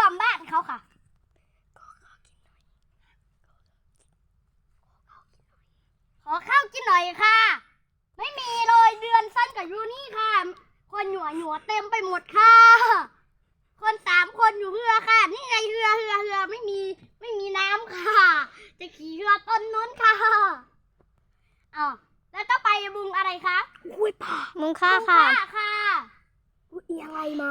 มบ้านเขาค่ะขอข้าวกินหน่อยค่ะไม่มีเลยเดือนสั้นกับยูนี่ค่ะคนหนัวเต็มไปหมดค่ะคน3 คนอยู่เรือค่ะนี่ไงเรือไม่มีน้ำค่ะจะขี่เรือต้นนู้นค่ะอ๋อแล้วต้องไปบึงอะไรคะอุ้ยป่ามุงค่าค่ะค่ะอุ้ยอะไรมา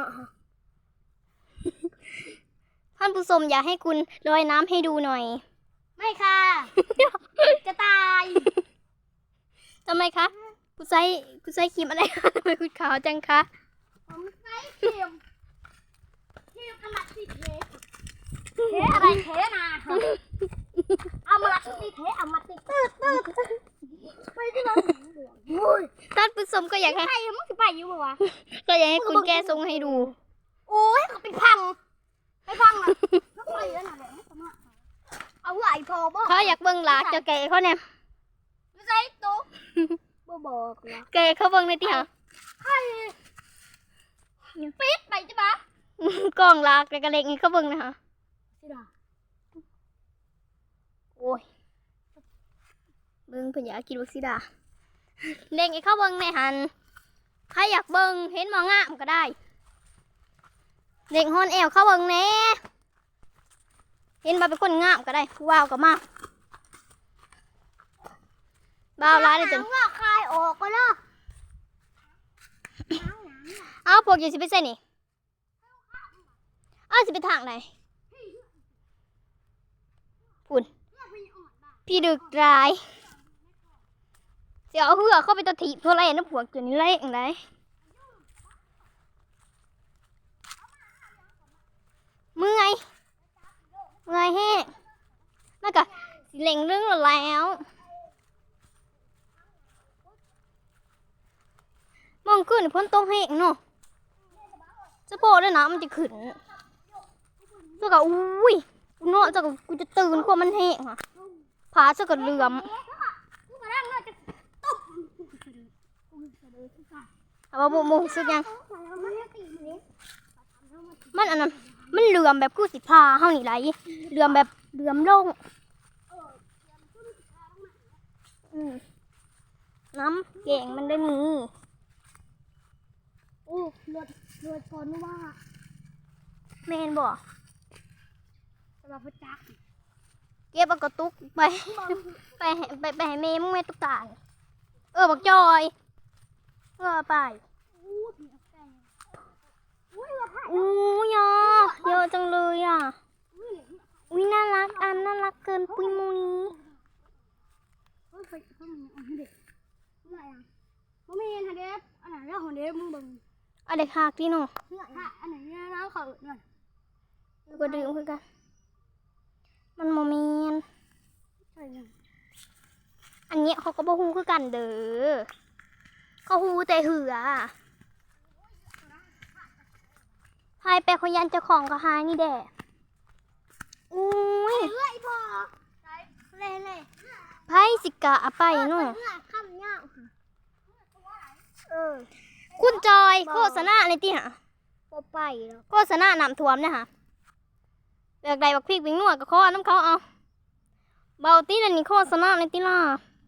ท่านผู้ชมอยากให้คุณลอยน้ำให้ดูหน่อยไม่ค่ะ จะตายทำไมคะคุณใช้ครีมอะไรคะทำไมคุณขาวจังคะผมใช้ครีมอมัดติเทอะไรเทนาเอามาลักติเทอมัดติตืดไปที่ไหนท่านผู้ชมก็อยากให้ใครมึงจะไปอยู่บ่วะก็อยากให้คุณแก้ทรงให้ดูโอ้ยเขาไปพังอ่ะแล้วไปแล้วน่ะเอาไหลพอบ่เขาอยากเบิ่งหลากเจ้าแก่เขาเนี่ยไม่ใช่ตุ๊กบ่บอกแล้วแก่เขาเบิ่งในที่หาใครปิดไปจ้ะบ้ากล้องหลากแต่กระเล็กนี่เขาเบิ่งนะคะโอ้ยเบิ่งเพิ่นอยากกินวัคซีดาเล็กไอ้เขาเบิ่งในหันใครอยากเบิ่งเห็นหมองามก็ได้เด็กฮอนแอวเขาเบิ่งแน่เห็นมาเป็นคนงามก็ได้ว้าวก็มาบ้าวร้ายเลยจังว่าคายออกก็เนาะเอาพวกอยู่สิไปใส่นี่เอาสิไปทางไหนปุ่นพี่ดึกร้ายเสียเอาเหือเข้าไปตะถีบเท่าไรนะพวกตัวนี้เล่งไรเมื่อยแห้งน่าก็สิเล็งเรื่องแล้วมองขึ้นพ้นตรงแห้งเนาะจะโปะด้วยนะมันจะขึ้นเจ้าก็อุ้ยเนาะเจ้าก็กูจะตื่นกว่ามันแห้งค่ะผาเจ้าก็เหลื่อมเอามาบุกสุดยังมันอันนั้นมันเหลื่อมแบบกูสิพาเฮานี่ไรเหลื่อมแบบเหลื่อมลงน้ำเก่งมันได้มีโอ้เลือดก่อนว่าเมนบ่สำหรับพระจักเก็บเอากระตุกไปให้เมย์มึงแม่ตุ๊กตาบักจอยไปอู้ยเยอะจังเลยอ่ะอุ้ยน่ารักน่ารักเกินปุยมุยบ่มีอันเด็บอันไหนแล้วของเด็บมึงบึงอันเด็กหักที่หนูอันไหนเนี่ยน้ำเขาหน่อยก็ดื่มคือกันมันโมเมนอันนี้เขาก็บ่ฮู้คือกันเด้อเขาฮู้แต่เหือพายไปคนยันเจ้าของก็หายนี่แด่อุ้ยเลื่อยพอเล่ไพ่สิกะไปนู่นข้ามเงาคุณจอยโฆษณาในที่หะไปแล้วโฆษณาน้ำท่วมเนี่ยค่ะเลือกใดบักพริกวิ่งนวดกับข้อน้ำเขาเอาเบาตีนั่นนี่โฆษณาในที่ล่ะ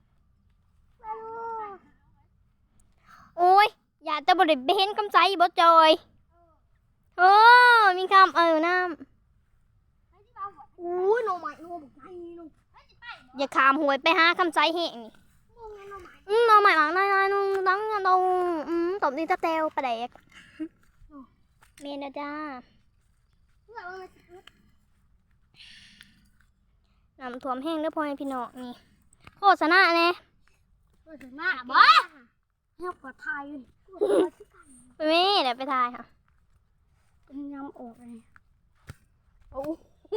โอ้ยอย่าจะบริเวณกำใจบ่จอยมีคำน้ำอู้ยโนใหม่โนบุกไทยโนอย่าขามหวยไปหาคำใจเหงนี่โนใหม่หลังน้อยนุ่งตั้งตรงตบดีตะเตวประเด็กเมนจ้าน้ำท่วมแห้งแล้วพอให้พี่น้องนี่โฆษณาเนี่ยโฆษณาบ้าเฮ้ยกว่าไทยไปแม่เดี๋ยวไปทายค่ะเป็นยำออกเลยโอ้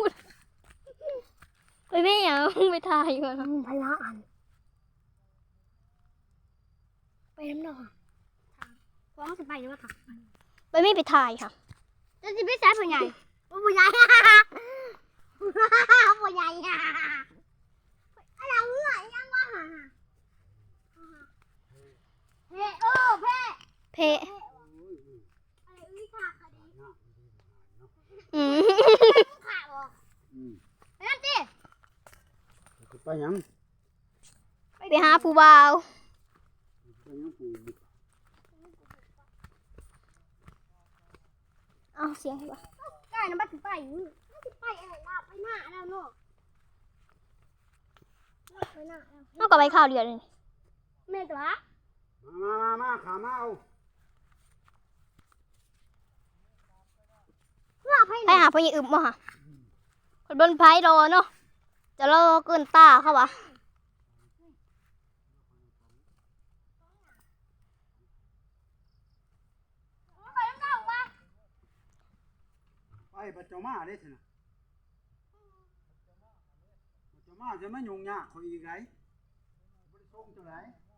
ไปแม่อย่าไปทายก่อนไปละอันไปน้ำหนองฟ้องจะไปหรือว่าถักไปแม่ไปทายค่ะจะจะไปแซ่บผู้ใหญ่ผู้ใหญ่ผู้ใหญ่อะไรเมื่อยังว่าเพ่เพ่ขาบ่อืมไปนั่นสิไปหยังไปหาผู้บ่าวไปหยังปู่เอาเสียงให้บ่ใกล้นะบ้านถึงไปอยู่ไม่ถึงไปอะไรล่ะไปหน้าแล้วเนาะไปหน้าแล้วเอากับใบข้าวเดียวเลยแม่ตัวมาขามาเอาเพื่อให้ไปหาพ่อใหญ่อึมบ่ฮะคนบนไผรอเนาะจะรอเกินตาเขาวะไปน้ำเต้าปะไปปัจจมาได้สินะปัจจมาจะไม่ยุ่งยากคอยอีกไรบริส่งเท่าไหร่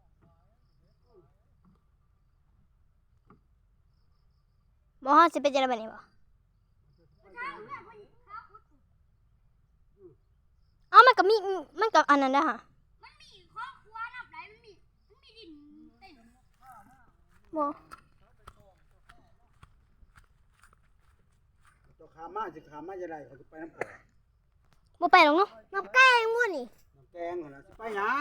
บ่ฮอดสิเป็นจังได๋บัดนี้บ่เอามันก็มีมันก็อันนั้นเด้อฮะมันมีครอบครัวนับไหนมันมีดินเต็มบ่เจ้าขามาจะขามาจะไรเขาจะไปน้ำแข็งบ่ไปหรอกเนาะน้ำแก้งมั่วนี่น้ำแกงเหรอจะไปหยัง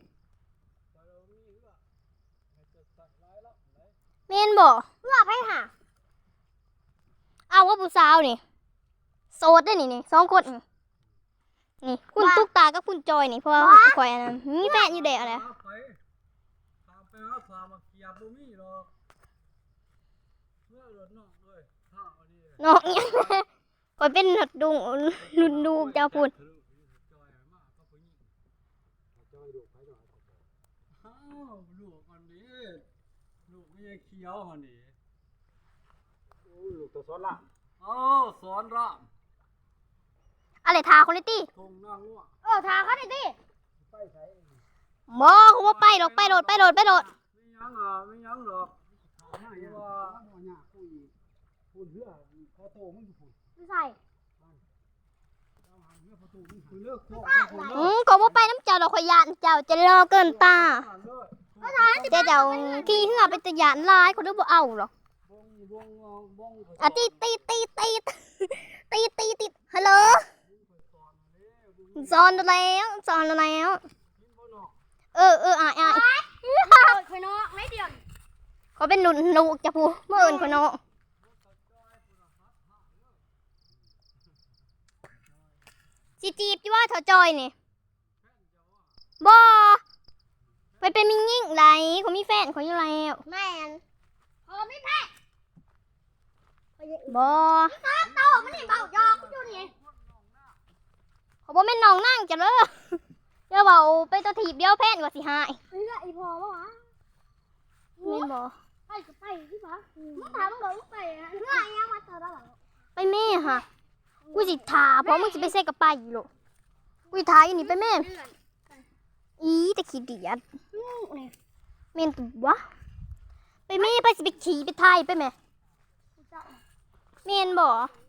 แม่นบ่เพื่อไปหาเอาว่าผู้สาวนี่โสดได้นี่สองคนนี่คุณตุ๊กตากับคุณจอยนี่เพราะว่าข่อยอันนั้นมีแฟนอยู่เด้ออะไรไปตามไปหาฟาร์มาเกียบบ่มีหรอกเมื่อรถนอกเลยท่าอันนี้น้องเนี่ยข่อยเป็นดุงรุ่นดูเจ้าพูดทะลุจอยมากก็ผู้หญิงจอยดูไปหน่อยอ้าวลูกอันนี้ลูกไม่ใช่เขียวอันนี้โอ้ยลูกตัวซ้อนละอ้าวสอนรามอะไรทาคุณลิตี้ทงนางงัวทาเขาดิดิไปใส่บ่เขาว่าไปหรอกไปโหลดไม่ยังหรอกไม่ยังหรอกขามาอย่างว่าบ่ยากคุยพูดเรื่องพอโตมึงอยู่พูดไม่ใส่เอาหาเรื่องพอโตมึงคุยเลิกโคตรก็ว่าไปน้ำเจ้าดอกข่อยยานเจ้าจะรอเกินตาอ่านเลยเจ้าขี้เหือเป็นตะยานลายเขาดูบ่เอาหรอกบงอ่ะตีฮัลโหลสอนแล้วอ่ะคอยน้องไม่เดียวเขาเป็นหนุนลูกจะพูเมื่ออื่นคนเนาะจีจีบที่ว่าเธอจอยนี่บ่ไปเป็นมิงยิ่งไรเขามีแฟนเขาอยู่แล้วแม่นพอไม่แพ้บ่โตมันนี่เบายอกอยู่นี่เขาบ่แม่นน้องนั่งจะเด้อเดี๋ยวเบาไปตัวถีบเดียวแพนกว่าสิหายเฮ้ยไอพอปะวะแม่นบ่ไปก็ไปที่ปะมึงถามมึงบอกมึงไปอะเพื่อยังมาเจอแล้วหรอไปแม่ฮะกูสิถาเพราะมึงสิไปเซกับไปอยู่หรอกกูสิถาอยู่นี่ไปแม่อีแต่ขี้เดียดนี่แม่นตัววะไปแม่ไปสิไปขี่ไปไทยไปแม่แม่นบ่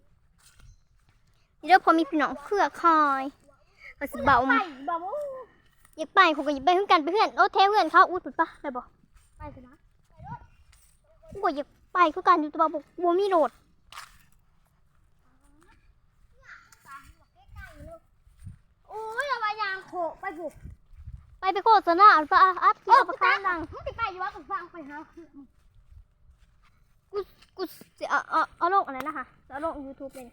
เดี๋ยวพอมีพี่น้องเครือคอยก็สิเบาไปบอกว่าอยากไปเขาก็อยากไปเพื่อนกันไปเพื่อนโอ้เทเพื่อนเขาอุดปุดปะไปบ่ไปกันนะกูก็อยากไปคือกันอยู่แตัวาบ่มีโหลดโอ้ยระบายยางโขไปบุกไปโฆษณาปะอัพเกี่ยวกับประกันดังมึงติไปอยู่ว่ากูฟังไปหากูสิเอาลงอะไรนะคะเอาลง YouTube เลย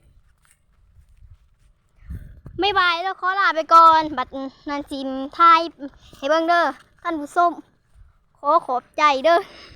ไม่บายแล้วขอลาไปก่อนบัดนันจิมไทยให้เบิ่งเด้อท่านผู้ชมขอขอบใจเด้อ